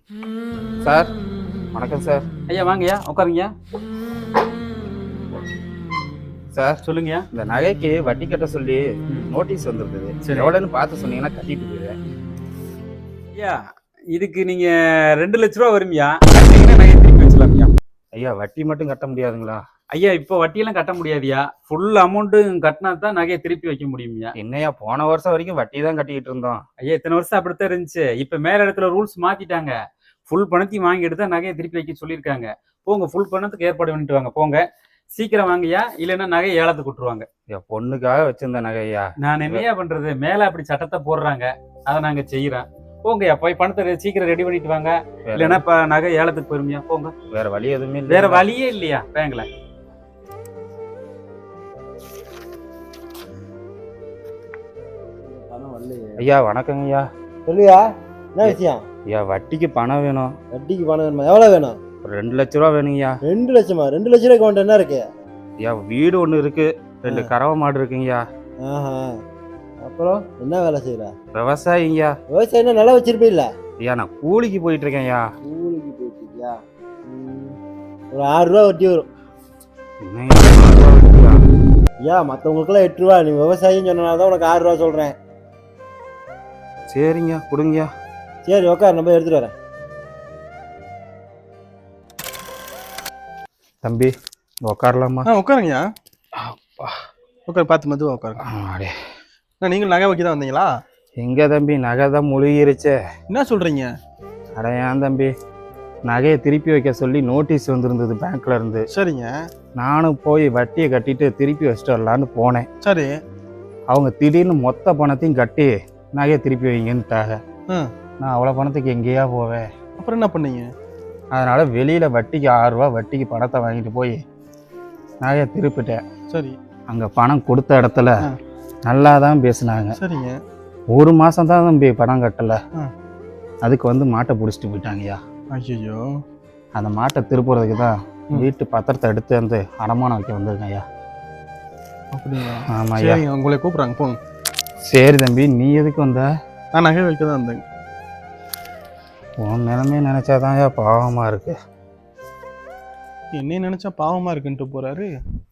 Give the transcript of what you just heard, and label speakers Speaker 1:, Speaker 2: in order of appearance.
Speaker 1: Sir வணக்கம் sir.
Speaker 2: ஐயா வாங்கய்யா உட்காருங்கய்யா.
Speaker 1: சார்
Speaker 2: சொல்லுங்கய்யா.
Speaker 1: இந்த நகைக்கு வட்டி கட்ட சொல்லி நோட்டீஸ் வந்திருக்குது.
Speaker 2: சரி.
Speaker 1: எவ்வளோன்னு பார்த்து சொன்னீங்கன்னா கட்டிட்டு போயிடுறேன்.
Speaker 2: ஐயா இதுக்கு நீங்க 2 லட்ச ரூபா வரும்யா. கட்டிங்கன்னா நகை திருப்பி வச்சலாம்யா.
Speaker 1: ஐயா வட்டி மட்டும் கட்ட முடியாதுங்களா?
Speaker 2: ஐயா இப்போ வட்டியெல்லாம் கட்ட முடியாதுயா. ஃபுல் அமௌண்ட்டும் கட்டினா தான் நகையை திருப்பி வைக்க முடியும்யா.
Speaker 1: என்னையா போன வருஷம் வரைக்கும் வட்டி தான் கட்டிக்கிட்டு இருந்தோம்.
Speaker 2: ஐயா இத்தனை வருஷம் அப்படித்தான் இருந்துச்சு. இப்ப மேல இடத்துல ரூல்ஸ் மாத்திட்டாங்க. ஃபுல் பணத்தையும் வாங்கி எடுத்தா நகையை திருப்பி வைக்க சொல்லியிருக்காங்க. போங்க ஃபுல் பணத்துக்கு ஏற்பாடு பண்ணிட்டு வாங்க போங்க. சீக்கிரம் வாங்கய்யா, இல்லைன்னா நகையை ஏலத்துக்கு விட்டுருவாங்க.
Speaker 1: ஐயா பொண்ணுக்காக வச்சிருந்த நகையா.
Speaker 2: நான் என்னையா பண்றது, மேல அப்படி சட்டத்தை போடுறாங்க, அதை நாங்க செய்யறோம். போங்கய்யா போய் பணத்தை சீக்கிரம் ரெடி பண்ணிட்டு வாங்க. இல்லைன்னா இப்ப நகை ஏலத்துக்கு போயிருமியா. போங்க.
Speaker 1: வேற வழி எதுவுமே இல்லை.
Speaker 2: வேற வழியே இல்லையா பேங்க்ல.
Speaker 1: ஐயா வணக்கங்க ஐயா.
Speaker 3: சொல்லுயா, என்ன விஷயம்?
Speaker 1: ஐயா வட்டிக்கு பணம் வேணும்.
Speaker 3: வட்டிக்கு பணம் வேணுமா? எவ்வளோ வேணும்?
Speaker 1: ஒரு 2 லட்ச ரூபா வேணுங்கய்யா.
Speaker 3: 2 லட்சமா? 2 லட்ச ரூபாய்க்கு உன்ட்ட என்ன இருக்கு?
Speaker 1: ஐயா வீடு ஒன்று இருக்கு, 2 கறவை மாடு இருக்குங்கய்யா.
Speaker 3: ஆஹா, அப்புறம் என்ன வேலை செய்யற?
Speaker 1: விவசாயிங்கய்யா.
Speaker 3: விவசாயம் நல்லா வச்சிருப்பீல்ல?
Speaker 1: ஐயா நான் கூலிக்கு போயிட்டு இருக்கேன்யா.
Speaker 3: கூலிக்கு போயிட்டியா? ஒரு 6 ரூபா வட்டி வரும்.
Speaker 1: என்னய்யா 6 ரூபா வட்டியா?
Speaker 3: ஐயா மற்றவங்களுக்குலாம் 8 ரூபா, நீ விவசாயின்னு சொன்னனால தான் உனக்கு 6 ரூபா சொல்கிறேன்.
Speaker 1: சரிங்க கொடுங்கய்யா.
Speaker 3: சரி உட்கார், நம்ம எடுத்துகிட்டு வரேன்.
Speaker 1: தம்பி உட்காரலாமா?
Speaker 4: உட்காருங்கய்யா. உட்காரு, பார்த்து மெதுவாக உட்காருங்க.
Speaker 1: அடே
Speaker 4: நீங்கள் நகை வைக்க தான் வந்தீங்களா?
Speaker 1: எங்க தம்பி நகை தான் முழுகிருச்சே.
Speaker 4: என்ன சொல்கிறீங்க?
Speaker 1: அட ஏன் தம்பி, நகையை திருப்பி வைக்க சொல்லி நோட்டீஸ் வந்திருந்தது பேங்க்ல இருந்து.
Speaker 4: சரிங்க.
Speaker 1: நானும் போய் வட்டியை கட்டிட்டு திருப்பி வச்சுட்டு வரலான்னு போனேன்.
Speaker 4: சரி.
Speaker 1: அவங்க திடீர்னு மொத்த பணத்தையும் கட்டி நகையை திருப்பி வைங்கன்னுட்டாங்க. நான் அவ்வளோ பணத்துக்கு எங்கேயா போவேன்?
Speaker 4: அப்புறம் என்ன பண்ணீங்க?
Speaker 1: அதனால வெளியில வட்டிக்கு 6 ரூபா வட்டிக்கு பணத்தை வாங்கிட்டு போய் நகையை திருப்பிட்டேன்.
Speaker 4: சரி.
Speaker 1: அங்க பணம் கொடுத்த இடத்துல நல்லா தான் பேசினாங்க.
Speaker 4: சரிங்க.
Speaker 1: 1 மாசம் தான் தம்பி பணம் கட்டல. அதுக்கு வந்து மாட்டை பிடிச்சிட்டு போயிட்டாங்கய்யா.
Speaker 4: ஐயோ.
Speaker 1: அந்த மாட்டை திருப்புறதுக்கு தான் வீட்டு பத்திரத்தை எடுத்து வந்து அடமானம் வைக்க வந்திருக்கேன் ஐயா.
Speaker 4: அப்படியா?
Speaker 1: ஆமா ஐயா.
Speaker 4: சரிங்க, உங்களை கூப்பிட்றாங்க போங்க.
Speaker 1: சரி தம்பி, நீ எதுக்கு வந்த?
Speaker 4: நான் நகை வைக்க தான் வந்தேங்க.
Speaker 1: உன் நிலைமையை நினைச்சாதான் பாவமா இருக்கு.
Speaker 4: என்னைய நினைச்சா பாவமா இருக்குன்ட்டு போறாரு.